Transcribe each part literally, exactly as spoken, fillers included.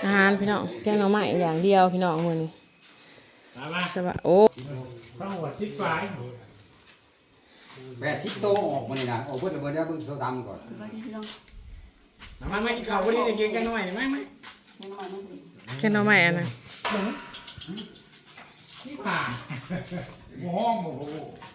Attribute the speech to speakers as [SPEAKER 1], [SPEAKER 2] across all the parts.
[SPEAKER 1] อาหารพี่น้องแกงหน่อไม้อย่างเดียวพี่น้องมื้อนี้ใช่ป่ะโอ้
[SPEAKER 2] ต้องหัวชิดฝาย
[SPEAKER 3] แปดสิบโตออกมานี่นะออกเพิ่นเบิ่งได้เบิ่งโทรศัพท์ก่อน
[SPEAKER 2] น้ำมันไม่กินข้าววันนี้ได้กินกันหน่อยไหมไหม
[SPEAKER 1] แกงหน่อไม้อันน่ะ
[SPEAKER 2] ที่ผ่าหมูห้องหมู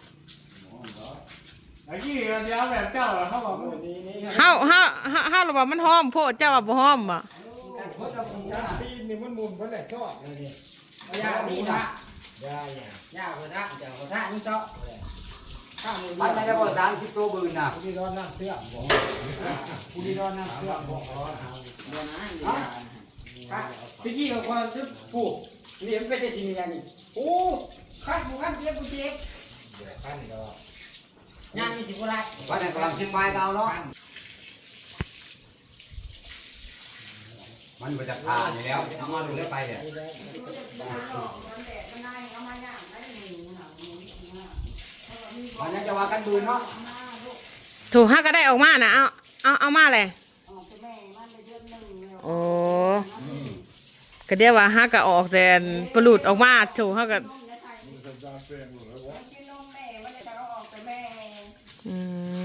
[SPEAKER 2] ไอ้ที่เดี๋ยวแบบเจ้าเขาบอกว่า
[SPEAKER 1] เฮาเฮาเฮาเฮาว่ามันหอมโพดเจ้าว่าบ่หอมบ่
[SPEAKER 2] ตีนนี่มันมุนเพิ่นแหละซอดเลยนี่ยาดีนะยายายาหัวท่าเจ้าหัวท่านี่ซอข้าวมือ
[SPEAKER 3] อันนั้นจะบ่สามสิบโตบึงน่ะ
[SPEAKER 2] ผู้ที่ร้อนน้ำเสื้อบ่ผู้ที่ร้อนน้ำเสื้อบ่ร้อนเอาเดี๋ยวนะเดี๋ยวพี่กี้เขาคนทึกผูกเลี้ยงไปได้สิ่งอย่างนี้โอ้ขั้นผู้ขั้นเจ็บผู้เจ็บเดี๋ยวขั้นก็ย่างนี่สิบ่ได้
[SPEAKER 3] วันนั้นกำลังเชียงใหม่ก็เอาเนาะมันมาจากทานอยู่แล้วเอามาดูได้ไปเนี่ยมันยังจะว่ากันบืนเนาะ
[SPEAKER 1] ถูกเฮาก็ได้ออกมาน่ะเอาเอาเอามาเลยโอ้ก็เดี๋ยวว่าเฮาก็ออกแต่ปลุดออกมาถูกเฮาก็อืม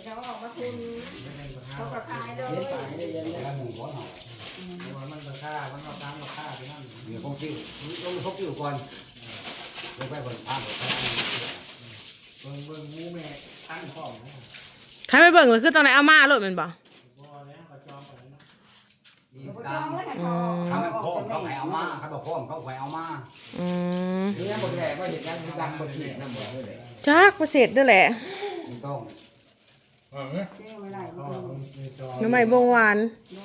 [SPEAKER 2] เขาก็ขายเลยมันราคามันเอาตามราคาไปนั่น
[SPEAKER 3] เดี๋ยวพกกิ้วต้องพกกิ้วก่อนเดี๋ยวไปบนทางบนทาง
[SPEAKER 2] เบิ่งเบิ่งหมูแม่ตั้งพร้อมนะ
[SPEAKER 1] ถ้าไม่เบิ่งเลยคือตอนไหนเอามาโลดแม่นบ่
[SPEAKER 2] บ่แล้วก็จองไปนะ
[SPEAKER 3] นี่ตามเขาไม่พร้อมเขาให้เอามาเขาบอกพร้อมเขาให้เอามา
[SPEAKER 1] อืม
[SPEAKER 3] นี่บ่ได้ว่าเฮ็ดยังดังบ่ผิดนำบ่ได้
[SPEAKER 1] จักบ่เสร็จเด้อแหละ
[SPEAKER 3] ต้อง
[SPEAKER 2] เออ
[SPEAKER 1] หน่อไม้บงหวาน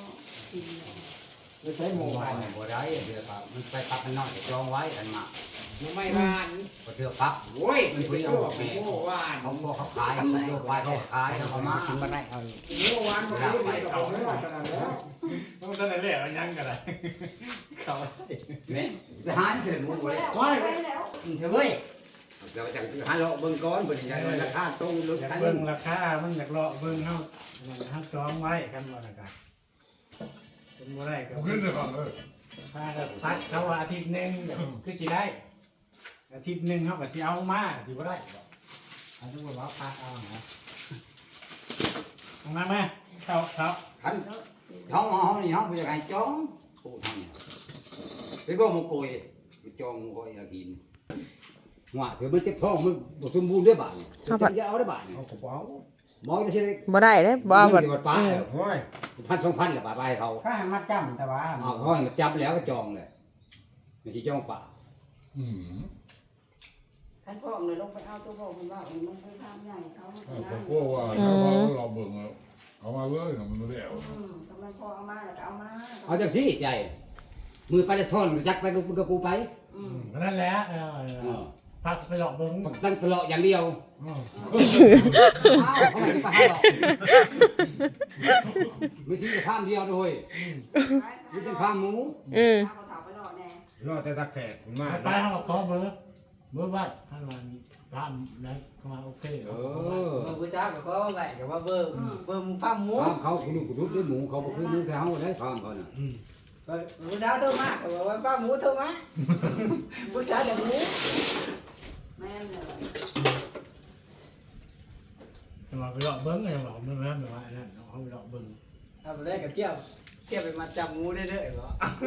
[SPEAKER 3] ไม่ใช่หมูหวานบ่ได้เดี๋ยวครับมันไปพักมันน้อยจองไว้อันมา
[SPEAKER 2] หน่อไม้หวาน
[SPEAKER 3] บ่เถื่อพัก
[SPEAKER 2] โอ้ย
[SPEAKER 3] มันคุยเอาบอกแม่
[SPEAKER 2] หมูหวาน
[SPEAKER 3] เขาบอกเขาขายเขาโยกไว้เขาขายเขามากินบ่ได้เอา
[SPEAKER 2] หมูหวานบ่ได้ไปเอาไม่ได้ขนาดนั้นต้องซั่นแหละยังก็ได้เขา
[SPEAKER 3] แม่ไปหาเสร็จหมูเลย
[SPEAKER 2] โอ้ย
[SPEAKER 3] เถอะเว้ยเดี๋ยวจะหาเลาะเบิ่งก่อนบ่ได้ราคาตรงลึกคัน
[SPEAKER 2] เบิ่งราคามันอยากเลาะเบิ่งเฮาเฮาจองไว้กันบ่ล่ะกันเป็นบ่ได้ก็ขึ้นเลยก่อนเออถ้าก็พักเขาว่าอาทิตย์นึงคือสิได้อาทิตย์นึงเฮาก็สิเอามาสิบ่ได้อันนี้ว่าพักเอานะมามาเข้าเข้า
[SPEAKER 3] คันเฮาเฮานี่เฮาบ่อยากให้จองโอ้ทำนี่ไปบ่หมูโกยไปจองหมูโกยอากินว่าถือมันเจ็บท้องมันบ่สมบูรณ์ได้บาดนี่จะเอาได้บาดนี่
[SPEAKER 2] เอากระเป๋า
[SPEAKER 3] หมอจะสิได้
[SPEAKER 1] บ่ได้เด้บ่
[SPEAKER 3] บ่
[SPEAKER 1] บ่
[SPEAKER 3] ป้าโอ้ยพันสองพันละบาทไปเขา
[SPEAKER 2] ถ้าให้มัดจำแต่ว่า
[SPEAKER 3] อ้าวเขาให้มาจับแล้วก็จองเลยไม่ใช่จองป่า
[SPEAKER 2] อืม
[SPEAKER 4] ท่านพ่อเลยลงไปเอาตัวพ่อคุณว่ามันเป็นทางใหญ่เขา
[SPEAKER 5] ผมกลัวว่าถ้าเราเราเบิ่งเอามาเลยมันไม่ได้เอา
[SPEAKER 4] กำลังพ่อเอามาแล้วก็เอามา
[SPEAKER 3] เอาจังสิใจมือไปจะซ่อนจักไปกับกับกูไป
[SPEAKER 2] นั่นแหละพักไปหลอกเบิ้ง
[SPEAKER 3] ตั้งตลอดอย่างเดียวไม่ใช่ข้ามเดียวด้วยไม่ใช่ข้ามหมู
[SPEAKER 1] อืม
[SPEAKER 5] รอแต่ตะแคกมา
[SPEAKER 2] ไปห้องขอเบอร์เบอร์ว่าท่านวันตามนะเข้ามาโอเคเอ
[SPEAKER 3] อ
[SPEAKER 4] เบอร์จ้ากับเขาไหนกับว่าเบอร์เบอร์มึงฟาร์มหมู
[SPEAKER 3] เขาคุณดูคุณดูด้วยหมูเขาบอกคือหมูแถวได้ฟาร์มเขาเนี่ย
[SPEAKER 4] หมูดาวเท่ามาแต่ว่าฟาร์มหมูเท่ามาผู้ชายเด็กหมูแม่เลย
[SPEAKER 2] จะมาไปหลอกเบิ้งไงหลอกเบิ้งแล้วแบบว่านั่นเขาไปหลอกเบิ้ง
[SPEAKER 4] เอาไปเล่นกับเที่ยวเที่ยวไปมาจับหมูได้เด้อเหรอ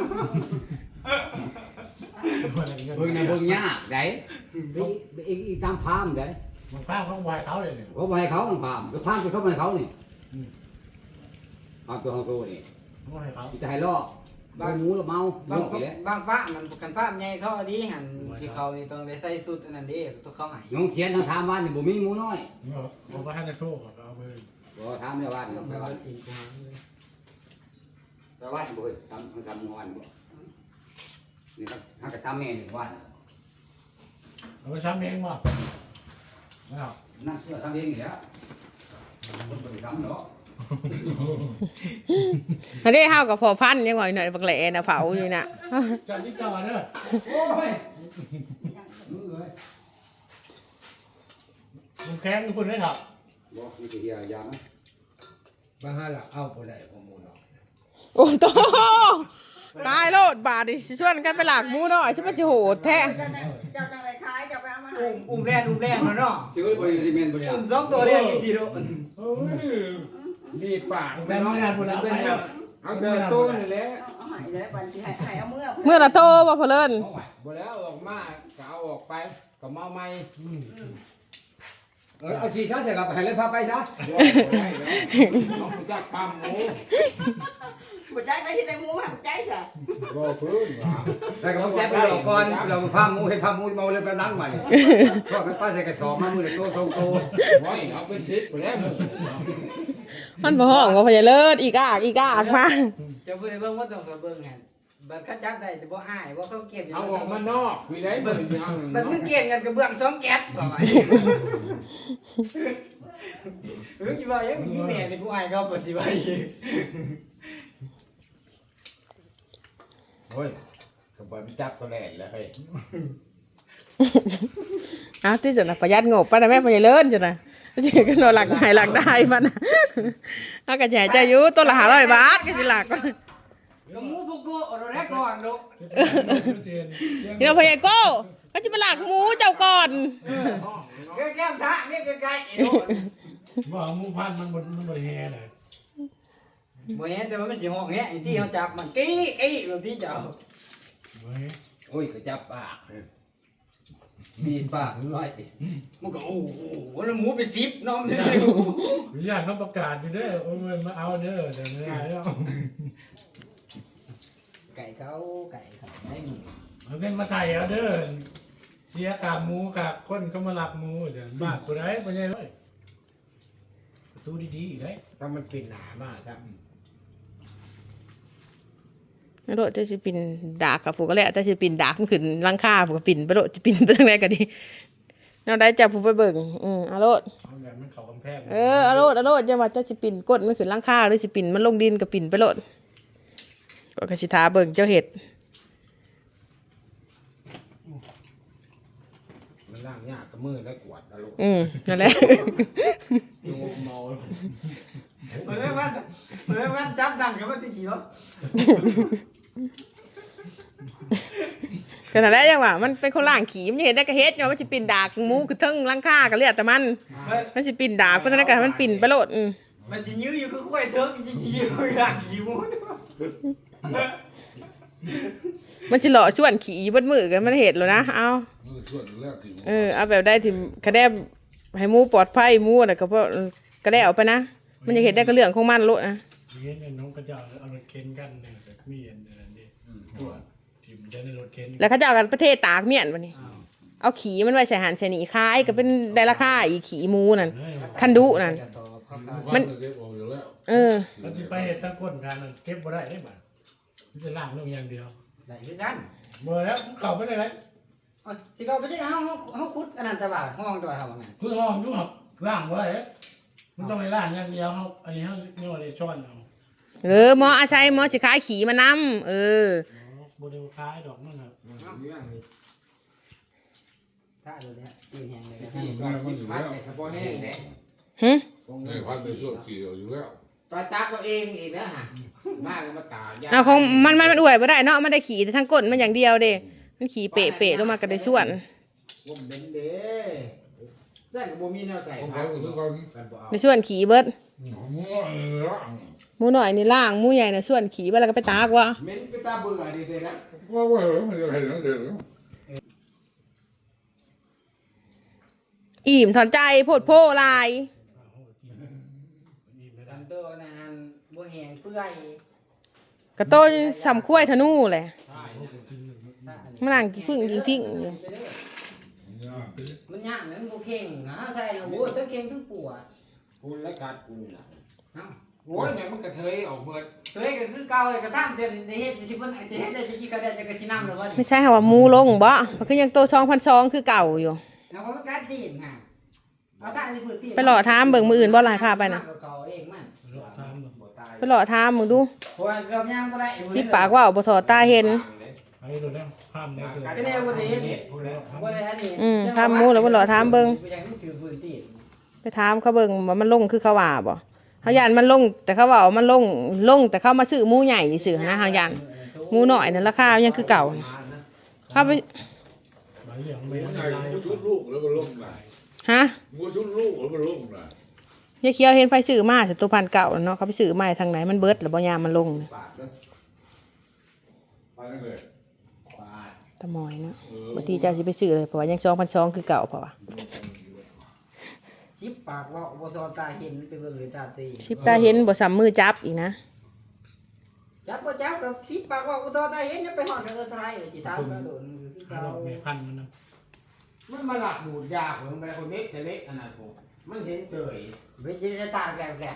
[SPEAKER 3] เบิ่งในเบิ่งยากได้อีกอีกตามพามได้
[SPEAKER 2] มันพามเขาไหวเขาเลยเนี่ย
[SPEAKER 3] เขาไหวเขาต้องพามก็พามไปเขาไหวเขานี่พามตัวของตัวนี่
[SPEAKER 2] ไหวเขา
[SPEAKER 3] จะให้ล่อบางหมูแล้วเมา
[SPEAKER 4] บางบางฟ้ามันกันฟ้าใหญ่เขาดีหันที่เขานี่ต้องได้ใส่สุดอันนั้นดิตัวเขาหาย
[SPEAKER 3] น้องเขียนทางถามบ้านนี่บ่มีหมูน้อย
[SPEAKER 2] ผมว่าท่านจะโชคเอาไป
[SPEAKER 3] บ่ถามในบ้านนี่ไปบ้านไปบ้านบ่ทำทำงานบ่นี่ครับหากระซ้ำแม่หนึ่งวัน
[SPEAKER 2] เอาไปซ้ำเองบ่
[SPEAKER 3] นั่งเสื้อซ้ำเองนี่แหละคนบ่ได้ซ้ำเนาะ
[SPEAKER 1] อันนี้เฮากับพอพันยังหน่อยหน่อยบักแหล่น่ะเผาอยู่น่ะ
[SPEAKER 2] จอดที่จอดเด้อโอ้ยมึงแข้งคุณได้หรอ
[SPEAKER 3] บ่มีแต่เฮียยามั้ย
[SPEAKER 5] บางฮะล่ะเอาบ่ได้ข้อมูลหรอก
[SPEAKER 1] โอ้โตตายดบาดดิสิชวนกันไปหลากหมูน้อยใช่ไหมจะโหดแท้
[SPEAKER 6] เจ้าเจ้าจังไรขายเจ้าไปเอามาให้
[SPEAKER 4] อุ้มอุ้มแรงอุ้มแรงเนาะ
[SPEAKER 3] สิว่าบ่ได้แม่นบ่ได้
[SPEAKER 4] อุ้มสองตัวเรียกอีสิโด
[SPEAKER 5] โอ้ยมีปาก
[SPEAKER 2] แต่เมื่อพุ่นเอาไปแล้ว
[SPEAKER 5] เอาเจอตู้นี่แหละ
[SPEAKER 6] เอาให้แล้วบัดสิให้ให้เอาเมื่อ
[SPEAKER 1] เมื่อละโตบ่พอเลิน
[SPEAKER 5] บ่แล้วออกมาก็เอาออกไปก็มาใหม่
[SPEAKER 3] เออเอาชีช้าเสร็จกับให้เลยพาไปซะ
[SPEAKER 5] บ่ได้แล้วน้องจักความหมู
[SPEAKER 6] บ่ใจได้ที่ได้หมูมาบ่ใจซะ
[SPEAKER 5] บ่พื้นว่า
[SPEAKER 3] แล้วก็แจ๊บไปเราก่อนเราพาหมูให้พาหมูเมาเลยไปล้างใหม่ก็กันป้าใส่กระสอบมามือละโตสองโต
[SPEAKER 5] ไว้เอาเป็นทิศไปแล้วมึง
[SPEAKER 1] มันบ่ห้องว่าพอเลินอีกอากอีกอากมา
[SPEAKER 4] จะเบิ่งเบิ่งว่าต้องกับเบิ่งไงบัดเขาจับได้จะบ่อายว่าเขาเก็บ
[SPEAKER 5] เอาออกมานอกมีได้เบิ่งยัง
[SPEAKER 4] บัดมึงเก็บกันกับเบื้องสองแก๊สบ่ไหวเออสิว่ายังมีแม่นี่ผู้อายเขาปฏิบัติ
[SPEAKER 5] โอ้ยก็บ่มีจับก็แล่นแล้วเฮ้ย
[SPEAKER 1] อ้าวที่จะนะประหยัดงบป่ะนะแม่พอเลินจ้ะนะสิก็นอนหลักหายหลักได้ป่ะนะเอาก็ใหญ่ใจอยู่ตัวละห้าร้อยบาทก็สิหลัก
[SPEAKER 4] ก็หมูพวกกูเอาแรกก่อนลูก
[SPEAKER 1] นี่เราพยายโก้ก็จะมาหลักหมูเจ้าก่อน
[SPEAKER 4] แก้มทะนี่ใกล้ๆไอ้ลูก
[SPEAKER 2] บ่หมูพันมันบ่มันบ่แฮ่เลย
[SPEAKER 4] บ่เห็นแต่ว่ามันสิห้องแฮะไอ้ที่เขาจับมันกี้กี้แบบที่เจ้า
[SPEAKER 2] เฮ้ย
[SPEAKER 3] โอ้ยก็จับปากมีปากน้อย
[SPEAKER 4] มันก็โอ้โหแล้วหมูเป็นสิบน้องเลย
[SPEAKER 2] อยากเขาประกาศอยู่เด้อโอ้ยมาเอาเด้อเดี๋ยวไม่ได้แล้ว
[SPEAKER 4] ไก่เขาไก่เขาได้หมู
[SPEAKER 2] เอาเงินมาไถ่เอาเด้อเสียกากหมูกากคนเขามาลักหมูเดี๋ยวบ้านกูได้บ่ใช่เลยประตูดีๆอีกได้
[SPEAKER 5] ถ้ามันเป็นหนามากครับ
[SPEAKER 1] โดดจะสิปินดากกับผูกก็แล้วแต่สิปินดากมันขึ้นหลังคาผูกก็ปินไปโดดจะปินไปทางไหนก็ดีแนวใดจับผูกไปเบิ่งอือเอาโลด
[SPEAKER 2] เอาแบบมันเข้ากำแพง
[SPEAKER 1] เออเอาโลดเอาโลดจะว่าจะสิปินกดมันขึ้นหลังคาหรือสิปินมันลงดินก็ปินไปโลดก็กสิทาเบิ่งเจ้าเห็ด
[SPEAKER 5] มันล่างยากกับมือแล้วกวาดอารมณ์
[SPEAKER 1] อืมนั่นแหละ
[SPEAKER 2] โยมเมา
[SPEAKER 4] เหมือนว่าเหมือนว่าจับดังกับมันที่ขี่รถ
[SPEAKER 1] ก็นั่นแหละจังว่ามันเป็นคนล่างขี่มันจะเห็นได้ก็เฮ็ดเนาะมันสิปินดากหมูคือเทิงหลังคาก็เรียกแต่มันมันสิปินดากเพราะฉะนั้นก็ให้มันปินไปโลดอืม
[SPEAKER 4] มันสิยื้ออยู่ก็ค่อยเถิงจริงๆอยู่อยากขี่หมู
[SPEAKER 1] มันสิหล่อส่วนขี่เบดมือกันมันเห็ดแล้วนะเอา
[SPEAKER 5] มือส่วนแล้วที่
[SPEAKER 1] เออเอาแบบได้ที่คะแนนให้หมูปลอดภัยหมูน่ะก็เพราะก็ได้เอาไปนะมันจะเห็ดได้ก็เรื่องของมันโลดนะ
[SPEAKER 2] เห็นน้องกระเจ้าเอารถเข็นกันเนี่ยแบบมีอันนั้นนี่ตัวทีมจะในรถเข็น
[SPEAKER 1] แล้วเขาจะเอากันประเทศตากเมียนวันนี้เอาขี่มันไว้ใส่หันใส่หนีคายก็เป็นได้ราคาอีกขี่หมูนั่นคันดุนั่น
[SPEAKER 5] มันเก็บออกอยู่แล้ว
[SPEAKER 1] เออ
[SPEAKER 2] เราจะไปเห็ดตะก้นกันเก็บบ่ได้ได้บ่มันจะล่างลงอย่างเดียว
[SPEAKER 4] ได้คือกัน
[SPEAKER 2] เมื่อแล้วเก่าไปได้ไร
[SPEAKER 4] ที่เขาไปที่เขาเขาคุดอันนั้นตะบ่าห้องตะบ่าทำยังไง
[SPEAKER 2] คือห้องดูครับล่างบ่ได้มันต้องในล่างอย่างเดียวเขาอันนี้เขาเนี่ยว่าได้ช้อนเอา
[SPEAKER 1] เออหมออาศัยหมอสิขายขี่มานำเออ
[SPEAKER 2] โมเดลคล้ายดอกนั่นน่ะ
[SPEAKER 4] ถ้าดูเนี้ยตีแหงเลย
[SPEAKER 5] ที่บ้านมันอยู่แล้ว
[SPEAKER 3] เฉพาะแห้งเนี่ย
[SPEAKER 1] หึ
[SPEAKER 5] ไอ้พันในส่วนขี่อยู่แล้ว
[SPEAKER 3] ตาตาก็เองอีกนะฮะมากมาตา
[SPEAKER 1] เอาของมันมันมันอวยบ่ได้เนาะมันได้ขี่แต่ทั้งก้นมันอย่างเดียวเด้มันขี่เปะเปะลงมาก็ได้ส่วน
[SPEAKER 3] ผมเป็นเด้ใส่กับบ่มีแนวใส่
[SPEAKER 5] ของเขาคือคน
[SPEAKER 3] กันบ่เอา
[SPEAKER 1] ในส่วนขี่เบิด
[SPEAKER 5] หมูล่าง
[SPEAKER 1] หมูหน่อยนี่ล่างหมูใหญ่น่ะส่วนขี่ไปแล้วก็ไปตากว่า
[SPEAKER 3] เม้นไปตาเบื่อดีเด้นะ
[SPEAKER 5] ว่าว่ามันจะเห็นนั่นเอง
[SPEAKER 1] อิ่มถอนใจโพดโพลาย
[SPEAKER 4] ตันโตนะฮันบัวแหงเปื่อย
[SPEAKER 1] กระโตนสำคุ้ยธนูแหละมันนั่งกินพึ่งกินพิ้งอยู่
[SPEAKER 4] มันยากนะมันบ่เข่งนะใส่โอ้ยทั้งเข่งทั้งปวด
[SPEAKER 5] กูและกัดกูน่ะ
[SPEAKER 4] เอ้า
[SPEAKER 5] โอ้ยเนี่ยมันกระเทยออกเมื่อ
[SPEAKER 4] เฮ้ยก็คือเก่าเลยกระทั่งเดี๋ยวนี้เฮ็ดสิเพิ่นจะเฮ็ดได้จะกี่กระเดจะกระชินำแล้วว่า
[SPEAKER 1] ไม่ใช่ค่ะว่าหมูลงบ่มันคือยังโตสองพันสองคือเก่าอยู่
[SPEAKER 4] แล้วก็การตีนค่ะเอาถ้าสิพื้นที่
[SPEAKER 1] ไปหล่อถามเบิ่งมืออื่นบ่หลายภาพไปนะ
[SPEAKER 4] เขาเองมัน
[SPEAKER 2] รถทำ
[SPEAKER 5] บ่ตาย
[SPEAKER 1] ไปหล่อถามมึงดู
[SPEAKER 4] เพราะว่าเราย่างบ่ได้
[SPEAKER 1] สิปากว่าบ่ถอดตาเห็น
[SPEAKER 2] ไปรถแล้วข้ามได้คือ
[SPEAKER 4] ก็แน่บ่ได้เฮ็ดบ่ได้อันนี้
[SPEAKER 1] อืมถามหมูแล้วบ่หล่อถามเบิ่ง
[SPEAKER 4] ไปยังถือพื้นที่
[SPEAKER 1] ไปถามเขาเบิ่งว่ามันลงคือเขาว่าบ่เฮาย่านมันลงแต่เขาว่ามันลงลงแต่เขามาซื้อหมูใหญ่ซื่อๆนะเฮาย่านหมูหน่อยนั่นราคายังคือเก่าเข้าไป
[SPEAKER 2] ใบเหลือง
[SPEAKER 5] ห
[SPEAKER 2] ใบ
[SPEAKER 5] มู
[SPEAKER 2] อะไร
[SPEAKER 5] ใหญ่หมูชุดลูกแล้วมันลงไหน
[SPEAKER 1] ฮะ
[SPEAKER 5] หมูชุดลูกแล้วมันลงไหน
[SPEAKER 1] ยายเขียวเห็นไฟซื้อมาแต่ตัวพันเก่าเนาะเขาไปซื้อมาทางไหนมันเบิดหรือบ่ยามมันลงน่ะ
[SPEAKER 3] ปากเด้อ
[SPEAKER 5] ไปนั่นเลย
[SPEAKER 3] ปาก
[SPEAKER 1] ตะมอยเนาะบางทีเจ้าสิไปซื้อเลยเพราะว่ายังสองพันสองคือเก่าเพราะว่า
[SPEAKER 4] ชิปปากว่าบ่ซอตาเห็นไปเบิ่งเลยตาตี
[SPEAKER 1] สิบตาเห็นบ่ซ้ำมือจับอีกนะ
[SPEAKER 4] จับบ่จับกับชิปปากว่าบ่ซอตาเห็นจะไปฮอดเออไทยสิถามก็โดน
[SPEAKER 2] ห้าดอกแม่พันมันนะ
[SPEAKER 7] มันมาหลักดูดยาผมไปคนเล็กแต่เล็กขนาดผมมันเห็นเฉย
[SPEAKER 4] เวจิได้ตาแก่ๆ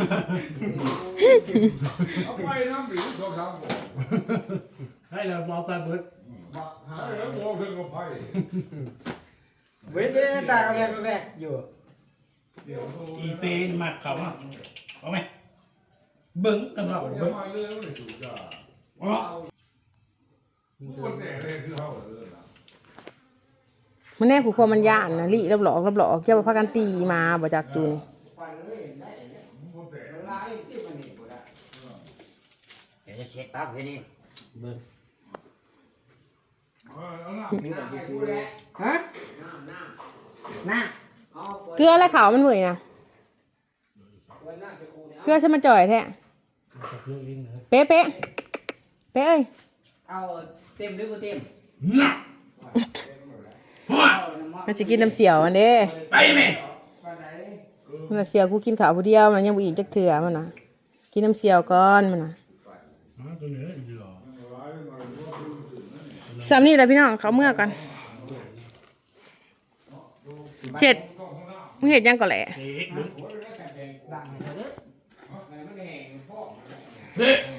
[SPEAKER 5] เอาไปน้ำหรือสองสามบ่
[SPEAKER 2] ให้เรามองปลาเบิด
[SPEAKER 7] บอกหา
[SPEAKER 5] ให้แล้วบ่เพิ่งเอาไป
[SPEAKER 4] เวจิได้ตาแก่ๆอยู่
[SPEAKER 5] เดี๋ยวโทร
[SPEAKER 2] อีเตนมัดเขาอ่ะเอาไหมเบิ้งตำรวจ
[SPEAKER 5] เดี๋ย
[SPEAKER 2] เบิ้
[SPEAKER 5] ว
[SPEAKER 2] ง
[SPEAKER 5] มาเรื่องเลยถูกจ้า
[SPEAKER 2] อ๋อ
[SPEAKER 5] คนแต่เลยคือเขาเลยนะ
[SPEAKER 1] มันแน่ผู้คนมันย่านนะลิรับหลอกรับหลอกเจ้าว่าพากันตีมาบ่จักจูนี่
[SPEAKER 7] ฟันเลยได้เนี่ย
[SPEAKER 5] คนแต่
[SPEAKER 7] มันลายที่มันนี่กูได้
[SPEAKER 3] เดี๋ยวจะเช็ดปากให้นี่
[SPEAKER 5] เอาหน้า
[SPEAKER 7] หน้าให้กูแหละ
[SPEAKER 1] ฮะ
[SPEAKER 7] หน้าหน้า
[SPEAKER 4] น่ะ
[SPEAKER 7] เอาเปิด
[SPEAKER 1] เกลืออะไรขาวมันเหมือยนะ
[SPEAKER 7] ไว้หน้าจะกูเนี่ย
[SPEAKER 1] เกลือใช่มันจ่อยแท้
[SPEAKER 2] จับเรื่องเองนะ
[SPEAKER 1] เป๊ะเป๊ะเป๊ะเอ้ย
[SPEAKER 4] เอาเต็มหรือบ่เต็ม
[SPEAKER 2] น่ะ
[SPEAKER 4] เอาน้ำมัน
[SPEAKER 1] มันสิกินน้ำเสียวมันเด้
[SPEAKER 2] ไปไหม
[SPEAKER 7] ฟันไหน
[SPEAKER 1] มันนะเสียวกูกินข้าวผู้เดียวมันยังบ่อิ่มจักเถื่อมันนะกินน้ำเสียวก่อนมันนะ
[SPEAKER 2] อ๋อตัวเหนืออีหล่อ
[SPEAKER 1] สามนี่แหละพี่น้องเขาเมื่อกันเสร็จมึงเห็ดยังก่อนแหละ
[SPEAKER 2] เด็กเบิ้ง
[SPEAKER 4] ดังให้เถอะเด้อ
[SPEAKER 2] เด็ก